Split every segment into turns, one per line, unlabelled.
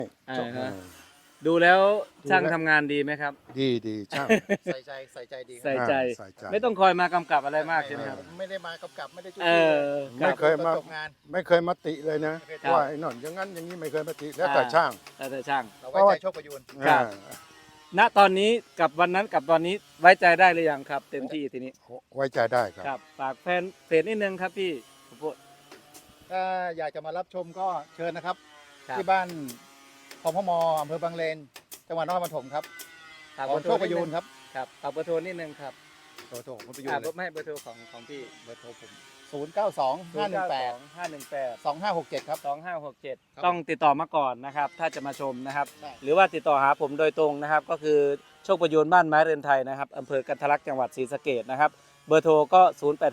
อ่าฮะดูแล้วช่างทำงานดีไหมครับ
ดีช่าง
ใส่ใจดีค
ใส่
รับ
ใจ
ใส่ใจ
ไม่ต้องคอยมากำกับอะไรมากใช่ไหมครับ
ไม่ได้มากำกับไม่ได้จุ๊
เออ
ไม่เคยมา
จบงาน
ไม่เคยมาติเลยนะ
ไม่เคย
ว่าไอ้นนอย่างนั้นอย่างนี้ไม่เคยมาติแล้วแต่ช่าง
แต่ช่าง
เราไว้ใจโชคประยูน
ครับ
อ่า
ณตอนนี้กับวันนั้นกับตอนนี้ไว้ใจได้หรือยังครับ เต็มที่ทีนี้
ไว้ใจได้ครับ
ครับฝากแฟนเพจนิดนึงครับพี่ข้าวโพด
ถ้าอยากจะมารับชมก็เชิญนะครับ
ครับ
ที่บ้านพมอำเภอบางเลนจังหวัดนครปฐมครับ
ฝาก
ข
เบ
อ
อง ร์โท
โช
ร
คประยูนครับ
ครับฝากเบอร์โทรนิดนึงครับ
โทรของคุณประยูน
ไม่เบอร์โทรของพี่
เบอร์โทรผม092 518
518
2567ครับ
2567ต้องติดต่อมาก่อนนะครับ ถ้าจะมาชมนะครับ
ใช่
หรือว่าติดต่อหาผมโดยตรงนะครับ ก็คือโชคประยูนบ้านไม้เรือนไทยนะครับอำเภอกันทะลักจังหวัดศรีสะเกษนะครับ เบอร์โทรก็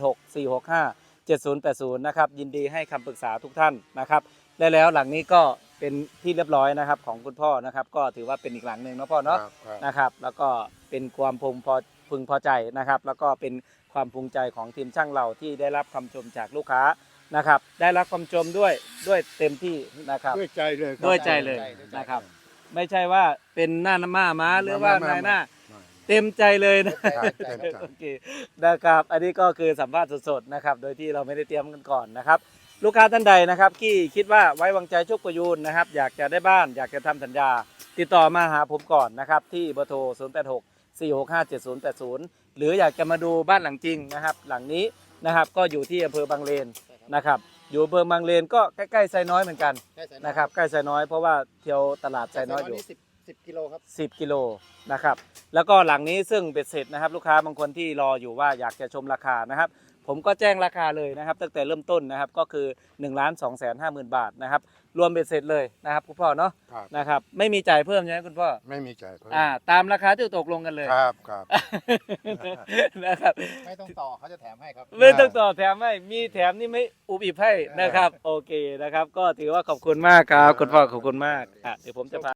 0864657080 นะครับ ยินดีให้คำปรึกษาทุกท่านนะครับและแล้วหลังนี้ก็เป็นที่เรียบร้อยนะครับของคุณพ่อนะครับ ก็ถือว่าเป็นอีกหลังหนึ่งเนาะพ่อเนาะ
ครับ
นะครับ แล้วก็เป็นความพึงพอใจนะครับ แล้วก็เป็นความภูมิใจของทีมช่างเราที่ได้รับคำชมจากลูกค้านะครับ ได้รับคำชมด้วยเต็มที่นะครับ
ด้วยใจเลยครับ
ด้วยใจเลย
ด้วยใจ
นะครับ ไม่ใช่ว่าเป็นหน้าม้าหรือว่า
ไม่
นายหน้า
ไม่
เต็มใจเลยนะ
ครับเต็มใจ
โอเคนะครับอันนี้ก็คือสัมภาษณ์สดๆนะครับโดยที่เราไม่ได้เตรียมกันก่อนนะครับลูกค้าท่านใดนะครับที่คิดว่าไว้วางใจโชคประยูนนะครับอยากจะได้บ้านอยากจะทำสัญญา ติดต่อมาหาผมก่อนนะครับที่เบอร์โทร 0864657080 หรืออยากจะมาดูบ้านหลังจริงนะครับหลังนี้นะครับก็อยู่ที่อำเภอบางเลนนะครับอยู่อำเภอบางเลนก็ใกล้ๆไซน้อยเหมือนกัน
ใช่ใส่
นะครับใกล้ไซน้อยเพราะว่าเที่ยวตลาดไซน้อยอยู่
10 กิโลครับ
10 กิโลนะครับแล้วก็หลังนี้ซึ่งเบ็ดเสร็จนะครับลูกค้าบางคนที่รออยู่ว่าอยากจะชมราคานะครับผมก็แจ้งราคาเลยนะครับตั้งแต่เริ่มต้นนะครับก็คือ 1,250,000 บาทนะครับรวมเบ็ดเสร็จเลยนะครับคุณพ่อเนาะ
ครับ
นะครับไม่มีจ่ายเพิ่มใช่ไหมคุณพ่อ
ไม่มีใจเพิ่ม
ตามราคาที่ตกลงกันเลย
ครับ
นะครับ
ไม่ต้องต่อเขาจะแถมให้ครับ
ไม่ต้องต่อแถมให้มีแถมนี่ไม่อุบอิบให้นะครับโอเคนะครับก็ถือว่าขอบคุณมากครับคุณพ่อขอบคุณมากเดี๋ยวผมจะพา